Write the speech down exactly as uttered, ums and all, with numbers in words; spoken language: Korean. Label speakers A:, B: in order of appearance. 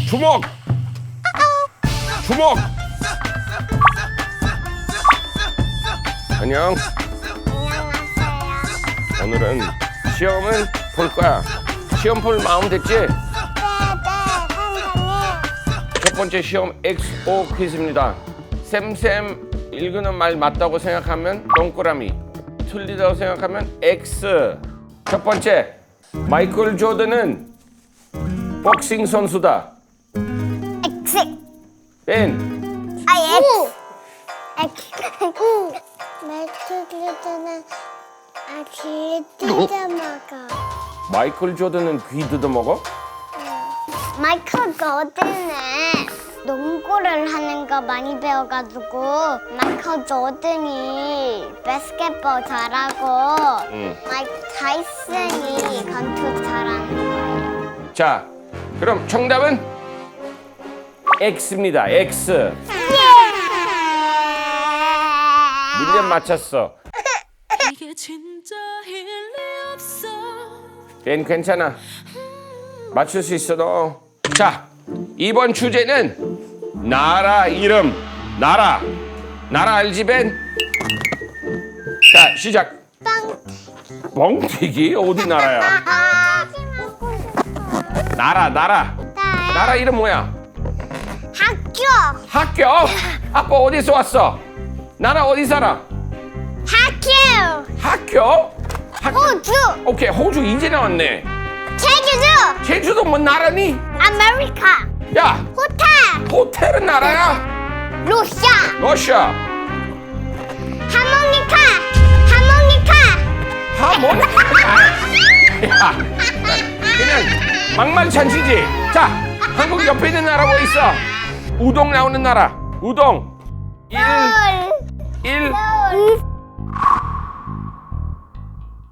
A: 주먹. 주먹. 안녕.
B: 안녕하세요.
A: 오늘은 시험은 볼 거야. 시험 볼 마음 됐지?
B: 네, 네, 선생님.
A: 첫 번째 시험 엑스오 퀴즈입니다. 쌤쌤 읽는 말 맞다고 생각하면 동그라미, 틀리다고 생각하면 X. 첫 번째, 마이클 조던은 복싱 선수다.
B: X.
A: 벤.
B: 아, X. X. 우. 매트리드는 아, 귀 뜯어 먹어.
A: 마이클 조던은 귀 뜯어 먹어?
B: 마이클 조던은 농구를 하는 거 많이 배워가지고 마이클 조던이 바스켓볼 잘하고
A: 응.
B: 마이크 타이슨이 권투 잘하는 거예요.
A: 자, 그럼 정답은 X입니다. X. 문제 맞췄어.
C: 이게 진짜 일리 없어.
A: 벤 괜찮아. 맞출 수 있어 너. 자, 이번 주제는 나라 이름. 나라. 나라 알지 벤? 자, 시작.
B: 빵.
A: 멍튀기 어디 나라야?
B: 먹고 싶어.
A: 나라 나라. 나라 이름 뭐야?
B: 학교.
A: 학교? 아빠 어디서 왔어? 나라 어디 살아?
B: 학교.
A: 학교? 학교.
B: 호주.
A: 오케이, 호주 이제 나왔네.
B: 제주도.
A: 제주도 뭐 나라니?
B: 아메리카.
A: 야,
B: 호텔.
A: 호텔은 나라야?
B: 러시아.
A: 러시아.
B: 하모니카. 하모니카.
A: 하모니카. 야, 그냥 막말찬치지. 자, 한국 옆에 있는 나라 뭐 있어? 우동 나오는 나라. 우동. 일,
B: 서울.
A: 일,
B: 서울.